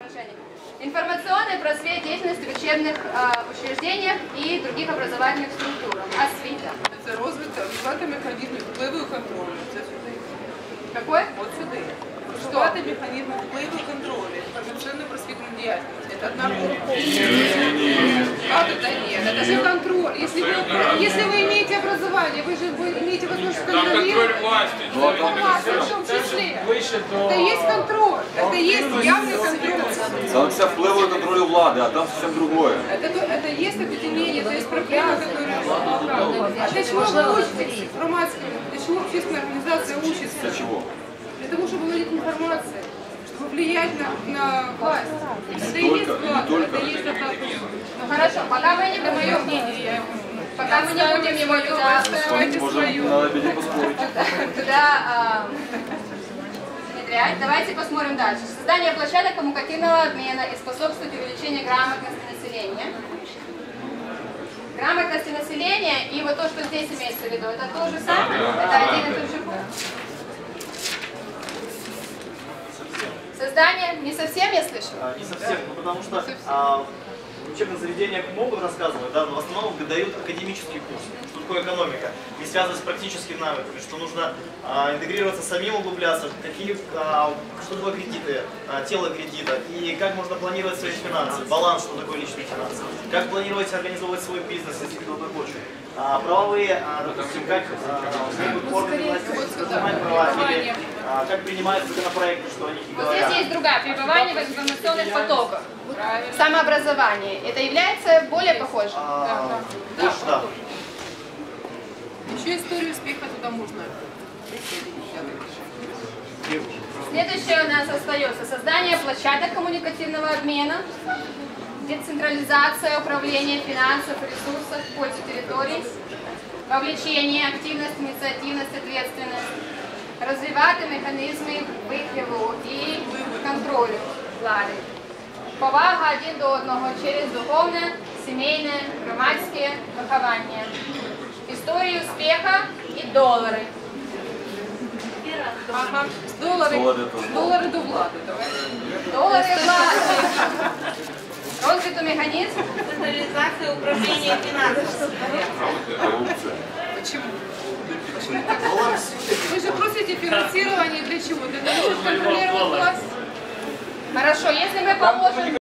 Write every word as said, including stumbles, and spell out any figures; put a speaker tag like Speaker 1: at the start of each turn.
Speaker 1: отношениях. Информационный просвет деятельности в учебных э, учреждениях и других образовательных структурах. Освіта.
Speaker 2: Це розвиток, розвивати механізми впливу і контролю. Це сюди.
Speaker 1: Какой?
Speaker 2: От сюди. Розвивати механізми впливу і контролю. Інформаційну просвітну діяльність. Це одна группа. Как это нет? Это же контроль. Если вы, если вы имеете образование, вы же вы имеете возможность контролировать. Власть в том числе. Это есть контроль. Это есть явный контроль.
Speaker 3: Там вся впливу и контролю влады, а там совсем другое.
Speaker 2: Это, это есть объединение, это есть проблема, которая... А для чего вы учитесь? Громадская, для чего общественная организация учится?
Speaker 3: Для чего?
Speaker 2: Для того, чтобы владеть информацией, чтобы влиять на, на власть. Это и
Speaker 3: Только,
Speaker 2: есть власть,
Speaker 3: только.
Speaker 2: это и есть атака.
Speaker 1: Ну хорошо, пока мы не
Speaker 2: Это мое
Speaker 1: будем,
Speaker 2: мнение, я его...
Speaker 1: пока мы не будем его туда,
Speaker 2: Отстаивайте
Speaker 3: Можем
Speaker 2: свое.
Speaker 3: на обеде поспорить.
Speaker 1: туда а, внедрять. Давайте посмотрим дальше. Создание площадок коммуникативного обмена и способствует увеличению грамотности населения. Грамотности населения и вот то, что здесь имеется в виду, это то же самое? Это один и тот же пункт? Создание не совсем, я слышу?
Speaker 4: А, не совсем, ну, потому что а, в учебных заведениях могут рассказывать, да, но в основном дают академический курс, что такое экономика, не связано с практическими навыками, что нужно а, интегрироваться самим, углубляться, какие, а, что такое кредиты, а, тело кредита, и как можно планировать свои финансы, баланс, что такое личные финансы, как планировать организовывать свой бизнес, если кто-то хочет. А, правовые, а, допустим, как а, могут органы власти принимать права, или а, как принимают законопроекты, что они
Speaker 1: Вот
Speaker 4: говорят.
Speaker 1: здесь есть другая. Пребывание в информационных потоках. Самообразование. Это является более похожим?
Speaker 4: А, больше, да.
Speaker 2: Еще историю успеха туда можно.
Speaker 1: Следующее у нас остается создание площадок коммуникативного обмена, децентрализация управления финансов и ресурсов в пользу территорий, вовлечение, активность, инициативность, ответственность, розвивати механізми впливу і контролю влади. Повага один до одного через духовне, сімейне, громадське виховання. Історії успіха і долари.
Speaker 2: Ага, доллары,
Speaker 3: Доллары тоже.
Speaker 2: доллары до влади, давай.
Speaker 1: Долари влади. Розвиту механізм.
Speaker 5: Централизация управления финансами.
Speaker 3: Коррупция.
Speaker 2: Почему? Почему так? Вы же просите финансирование для чего? Для того, чтобы контролировать власть.
Speaker 1: Хорошо, если мы положим